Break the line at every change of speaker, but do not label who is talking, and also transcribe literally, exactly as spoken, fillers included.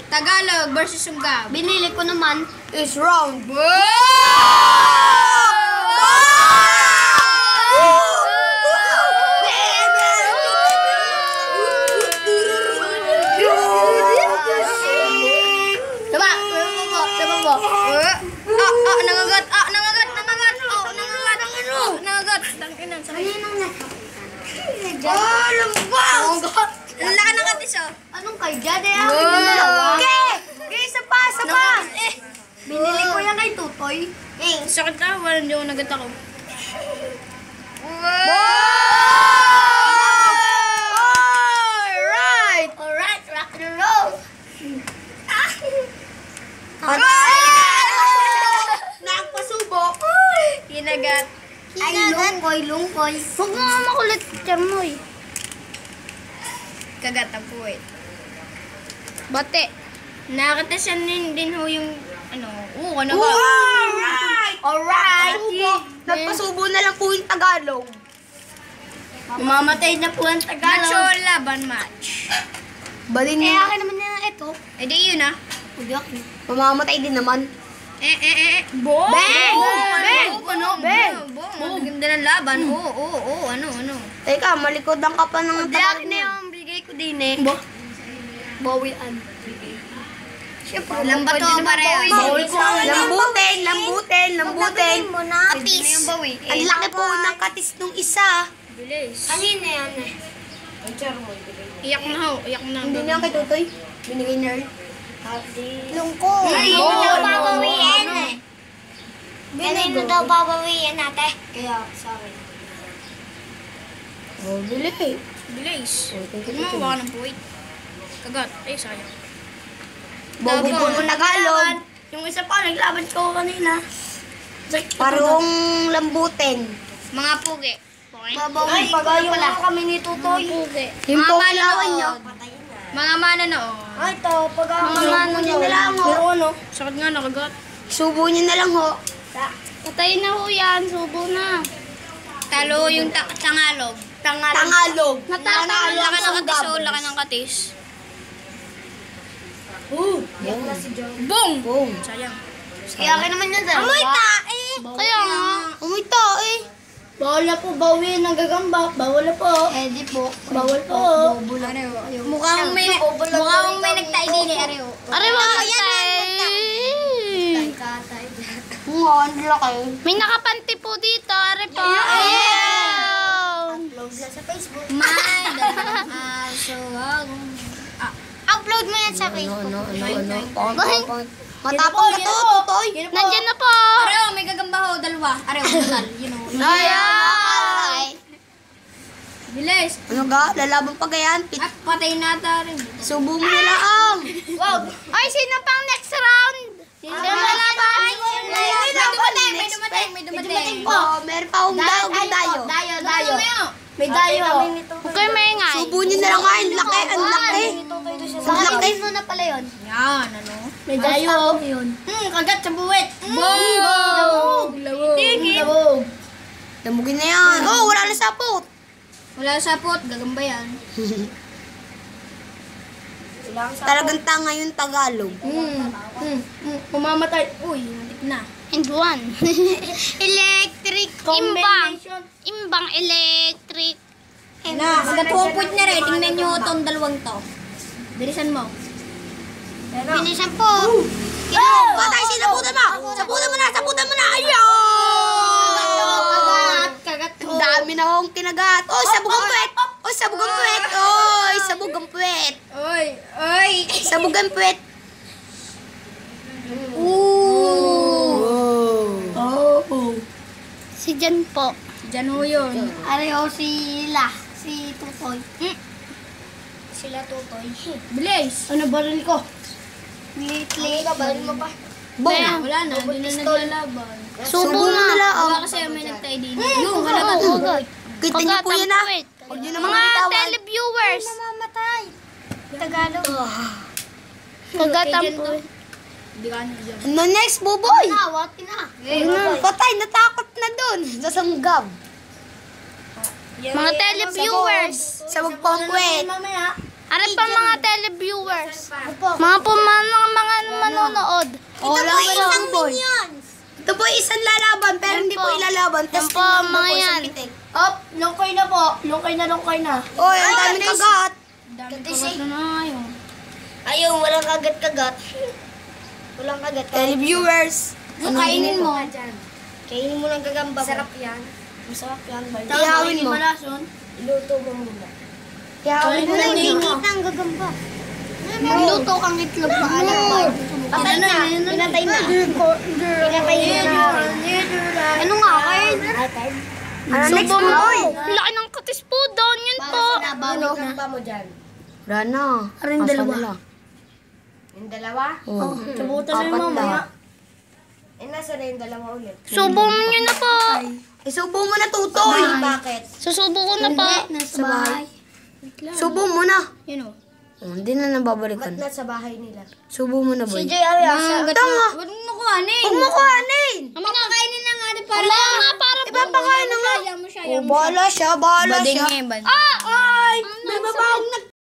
Tagalog versus Sungab.
Binili ko naman is round.
Diba? Diba po? Ah, ah, nangagat. Ah, nangagat. Nangagat. Oh, nangagat. Oh, nangagat. Tanginan. Oh, lambang. Ang laki ng katis, oh.
Anong kay Jad? Eh, ako yung dalawa. Okay! Okay, isa pa, isa pa.
Eh,
Binili ko yan kay Tutoy.
eh, sakit na. Wala, hindi ako nagat ako.
Alright! Alright, rock and roll. Nagpasubo.
Kinagat.
Ay, lungkoy, lungkoy. Huwag mo nga makulit, Charmoy.
Kagat ang puwit. Bate. Nakakatasan din, din ho yung, ano, oo, ano ba?
Alright! Alright! Nagpasubo na lang po yung Tagalog.
Mamamatay na po ang Tagalog. Match o laban match.
Balin
Eh,
niya.
akin naman na ito. Eh, di yun ah.
Hindi ako. Mamamatay din naman.
Eh, eh, eh, eh. Bong!
Bang! Bang!
Ano?
Bang!
Bong! Ang ganda ng laban. Oo, oo, oo. Ano, ano?
Teka, malikodan ka pa ng
Hindi,
Tagalog
akin na
niya.
yung bigay ko din eh.
Bo? Bawian.
Siyempre, lambat o pareho.
Bawal ko. Lambutin, lambutin, lambutin.
Katis. Yung bawi.
Ang laki po ng katis nung isa.
Bilis.
Kanina yan eh.
Iyak na ho. Iyak na.
Hindi niya kay Tutoy. Binigay na rin.
Lungko.
Ay,
Kanino
oo,
daw
oo,
babawiin
ano?
eh. Kanino daw babawiin natin?
Kaya, sorry. Oh, bili.
Bilis.
Oh, thank you,
Ano,
thank you.
baka ng puwit. Kagat. Eh, sayang.
Bobo-bobo Tagalog.
Yung isa pa, naglaban ko kanina.
Parang lambutin.
Mga pugi. Okay?
Babawi pa pala kami ni Tutoy. Yung
Mga
po
manood.
ilawan niyo.
Mga manonood.
Ay, ito. Pag
Mga
subo niyo na lang ho.
ano? Sakit nga, nakagat.
Subo niyo na lang ho.
Patayin na ho yan. Subo na.
Talo yung ta tangalog.
Tangalog.
Ang laki ng katis, oh. Laki ng katis.
Uh,
Bong!
boom.
Sayang.
Kaya akin naman yan dalawa.
Amoy tae!
Kaya nga.
Umita eh.
Bawal na po bawiin ng gagamba. Bawal na po.
Eh di po.
Bawal po.
Mukhang may, mukhang may nagtae din eh, Areo.
Aray mo matay.
Nga, ang laki.
May nakapanti po dito. Aray po. Ayun.
Upload lang sa Facebook.
May dalang aso agong.
Upload mo yan sa Facebook. Ano, ano, ano, ano.
Bakit?
Matapang na to, Tutoy.
Nandyan na po.
Areo, may gagamba ho, dalawa. Areo, total, you know.
Ayan.
Bilis.
Ano ga? Lalaban pa gayan? Pit-
At patay na tayo.
Subo mo na lang.
Wow.
Ay, sino pang next round? Sino
May
lalaban?
dumating, may dumating, may dumating.
Oh, meron pa akong dayo. Dayo.
Dayo, dayo.
May dayo.
Okay, may ingay.
Subo niyo na lang nga. Ang laki, ang laki. Ang laki.
mo na pala yun.
Yan, ano?
May dayo.
Hmm, kagat sa buwit. Bong!
Labog.
Labog.
Damugin na yan. Oh, wala na sapot.
Wala sapot, gagamba yan.
Talagang tanga yung Tagalog.
Hmm, hmm, hmm. Pumamatay. Uy, nalit na.
And one.
Electric
Imbang. Imbang electric.
Na, magka-two-point na rin. Tingnan nyo itong dalawang to. Bilisan mo.
Finisan po.
Oh, patay, sinabutan mo. Sabutan mo na, sabutan mo na. Ayun.
Kagat ko.
Ang dami na akong kinagat. Oh, sabog ang puwet. Oh, sabog ang puwet. Oh, sabog ang puwet.
Oy, oy.
Sabog ang puwet.
Oh.
Si Jan po.
Diyan ho yun.
Areo sila. Si Tutoy.
Sila tutoy.
Bilis.
Ano baril ko?
Lately. Baril mo pa.
Wala,
Boom.
wala na. Hindi na naglalaban.
Subo mo na lang.
Wala kasi may nagtay din. Yung, wala na.
Kita niyo po yan ah. Huwag niyo naman
Mga
bitawan.
televiewers.
Mamamatay.
Tagalog. Kagatan po.
Hindi ka na dyan.
Ano next, Buboy?
Nawati na.
Ano? Patay, natakot na dun. Sasanggab.
Mga televiewers.
Sabog pa ang puwet.
Ano pa mga televiewers? Mga pumanang mga manonood.
Ito po isang minions. Ito po isang lalaban, pero hindi po ilalaban.
Yan
Tapos
po, mga yan.
Up, lungkoy na po. Lungkoy na, lungkoy na.
Oy, ang daming kagat.
Kagat na na ngayon.
Ayun, walang kagat-kagat. Walang kagat. Televiewers.
Kainin mo.
Kainin mo ng gagamba mo.
Sarap yan.
Masarap yan.
Ihawin mo.
Iluto mo muna.
Ihawin mo lang din mo.
ang gagamba.
Magluto kang itlog pa alam ba?
Patay na. Pinatay na. Pinatay na.
Ano nga kayo?
Ano next
Subo
mo?
mo. Laki ng katis po doon. Yun po.
Ano? Gagamba mo dyan.
Wala na.
Aring
Asa
dalawa.
na?
Yung dalawa?
Oo.
Sabutan na yung
Apat
mamaya.
na.
Eh, nasa na yung dalawa ulit?
Subo mo nyo na po.
Isubo mo na, Tutoy. Bakit?
Susubo ko na po.
Nasa bahay.
Subo mo na.
Yun o.
Oh, hindi na nababalikan.
Ba't nasa bahay nila?
Subo mo na, boy.
Si J. Ariasa.
Tanga. Huwag mo kuhanin.
Huwag mo kuhanin.
Papakainin na nga rin para.
Wala nga para po.
Ipapakain na nga.
Ayaw mo siya,
Oh, bahala siya, bahala siya.
Bading eh, bading.
Ah! Ay! May babaong nag